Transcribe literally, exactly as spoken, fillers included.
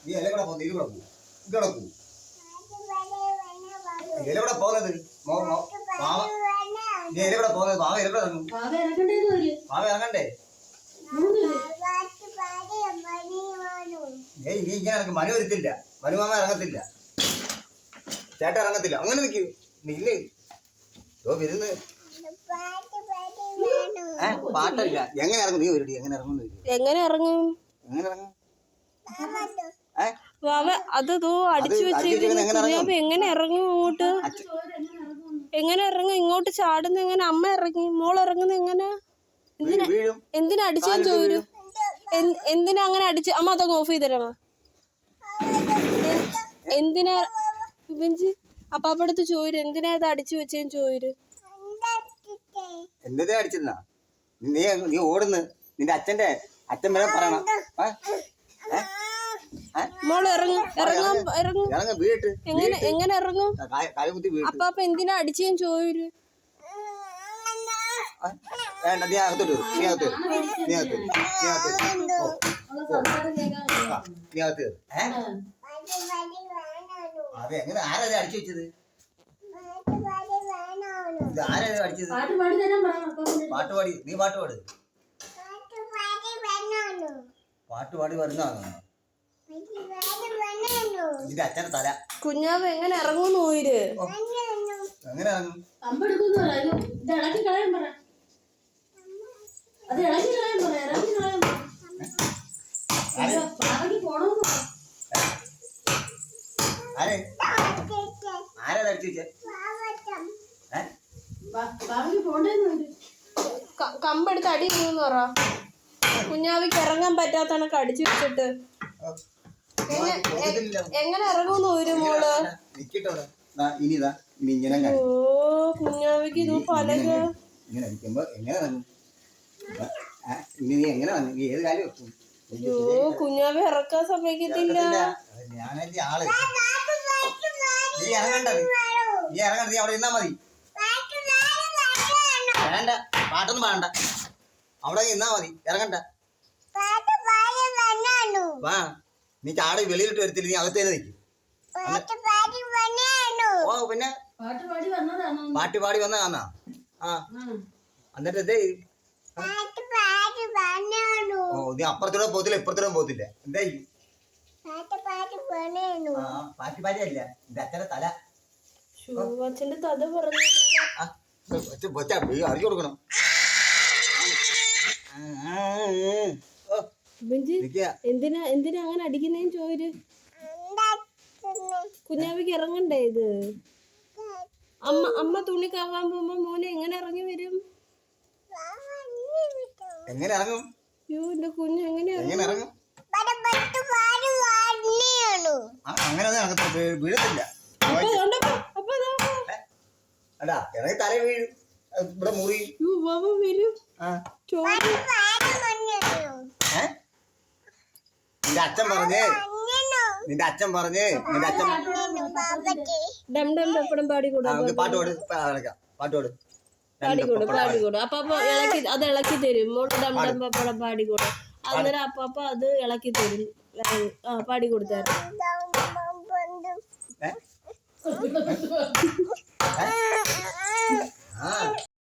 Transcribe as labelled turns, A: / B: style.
A: നീ എല്ലാം കൂടെ പോകുന്നു ഇത് കൂടെ പോകും ഇതോടെ പോകും എല്ലാം കൂടെ പോകുന്നത് നീ എല്ലാം കൂടെ പോകുന്നത് ബാവ എല്ലാം കൂടെ ഇറങ്ങും ബാവ ഇറങ്ങണ്ടേ ഏയ് നീ ഇങ്ങനെ ഇറങ്ങും മനു വരത്തില്ല മനുമാമ ഇറങ്ങത്തില്ല ചേട്ടൻ ഇറങ്ങത്തില്ല അങ്ങനെ നിൽക്കൂ നില്ല് ഓ വരുന്ന് പാട്ടല്ല എങ്ങനെ ഇറങ്ങും നീ വരടി എങ്ങനെ ഇറങ്ങും
B: എങ്ങനെ ഇറങ്ങും
A: എങ്ങനെ ഇറങ്ങും
B: അത് അടിച്ചു വെച്ചിരിക്കുന്നു എങ്ങനെ ഇറങ്ങും അങ്ങോട്ട് എങ്ങനെ ഇറങ്ങും ഇങ്ങോട്ട് ചാടുന്ന എങ്ങനെ അമ്മ ഇറങ്ങി മോൾ ഇറങ്ങുന്ന എങ്ങനെ എന്തിനാ എന്തിനാ അടിച്ചാൻ ചോദിച്ചു എന്തിനാ അങ്ങനെ അടിച്ച് അമ്മ അതൊക്കെ ഓഫ് ചെയ്തരാമ എന്തിനാ ബെഞ്ചി അപ്പാപ്പടുത്ത് ചോദിച്ചു എന്തിനാ അത് അടിച്ചു വെച്ചേന്ന് ചോദിച്ചു
A: എന്താ അടിച്ചെന്നാ നീ നീ ഓടുന്നു നിന്റെ അച്ഛന്റെ അച്ഛൻ വരെ പറയണം
B: മോള് ഇറങ്ങും ഇറങ്ങാൻ ഇറങ്ങും എങ്ങനെ എങ്ങനെ ഇറങ്ങും അപ്പാപ്പ എന്തിനാ അടിച്ചേന്ന് ചോദിച്ചു
A: വേണ്ട നീ അകത്തോട്ട് നീ അകത്ത് നീ അകത്ത് നീ അകത്ത് നീ അകത്ത് അതെ എങ്ങനെ ആരാ അടിച്ചു വെച്ചത് ഇത് ആരാ അടിച്ചത് പാട്ട് പാടി നീ പാട്ട് പാട് പാട്ട് പാടി വരുന്നതാണോ ഇതിന്റെ അച്ഛന്റെ തല
B: കുഞ്ഞാവ് എങ്ങനെ ഇറങ്ങും പോയിര്
A: എങ്ങനെ ഇറങ്ങും ആരാ അടിച്ചു വെച്ചേ
B: കമ്പെടുത്ത് അടി ഇരുന്ന് പറ കുഞ്ഞാവിക്ക് ഇറങ്ങാൻ പറ്റാത്ത കണക്ക് അടിച്ചു വെച്ചിട്ട് എങ്ങനെ ഇറങ്ങുന്നു ഒരു മോള് ഓ കുഞ്ഞാവിക്ക് ഇത് പലക
A: ഇങ്ങനെ അടിക്കുമ്പോ എങ്ങനെ ഇറങ്ങും ഇനി നീ എങ്ങനെ ഇറങ്ങും നീ ഏത് കാര്യം വെക്കും
B: ഓ കുഞ്ഞാവി ഇറക്കാൻ സമ്മതിക്കത്തില്ല
A: ഞാനല്ലേ ആള് നീ ഇറങ്ങണ്ട നീ ഇറങ്ങണ്ട നീ അവിടെ ഇരുന്നാ മതി വേണ്ട പാട്ടൊന്നും പാടണ്ട അവിടെ നിന്നാ മതി ഇറങ്ങണ്ട വാ നീ ചാടി വെളിയിലിട്ട് വരത്തില്ല നീ അകത്ത് തന്നെ നിൽക്കും ഓ പിന്നെ പാട്ട് പാടി വന്നതാന്നാ ആ എന്നിട്ട് എന്തേ ഓ നീ അപ്പുറത്തൂടെ പോകത്തില്ല ഇപ്പുറത്തൂടെ പോകത്തില്ല എന്തായി ആ പാട്ട് പാടിയല്ല എന്റെ അച്ഛന്റെ തല
B: അച്ഛന്റെ തല പറഞ്ഞു
A: അറിഞ്ഞു കൊടുക്കണം
B: എന്തിനാ എന്തിനാ അങ്ങനെ അടിക്കുന്നേന്ന് ചോര് കുഞ്ഞാവിക്ക് ഇറങ്ങണ്ടേ ഇത് അമ്മ അമ്മ തുണി കവാൻ പോകുമ്പോ മോനെ എങ്ങനെ ഇറങ്ങി വരും
A: എങ്ങനെ ഇറങ്ങും
B: അയ്യോ എന്റെ കുഞ്ഞ് എങ്ങനെ
A: ഇറങ്ങും അങ്ങനെ വീഴത്തില്ല അടാ ഇറങ്ങി തല വീഴും ഇവിടെ മുറി
B: വരും
A: നിന്റെ അച്ഛൻ പറഞ്ഞേ നിന്റെ അച്ഛൻ പറഞ്ഞേ നിന്റെ അച്ഛൻ
B: ഡം ഡം ഡപ്പടം പാടിക്കൂടാ
A: പാട്ട് പാട് പാട്ട് പാട്
B: പാടിക്കൂടും പാടിക്കൂടും അപ്പാപ്പ ഇളക്കി അത് ഇളക്കി തരും മോള് ഡം ഡം പപ്പടം പാടിക്കൂടും അന്നേരം അപ്പാപ്പ അത് ഇളക്കി തരും ആ പാടിക്കൊടുത്തായിരുന്നു
A: ആ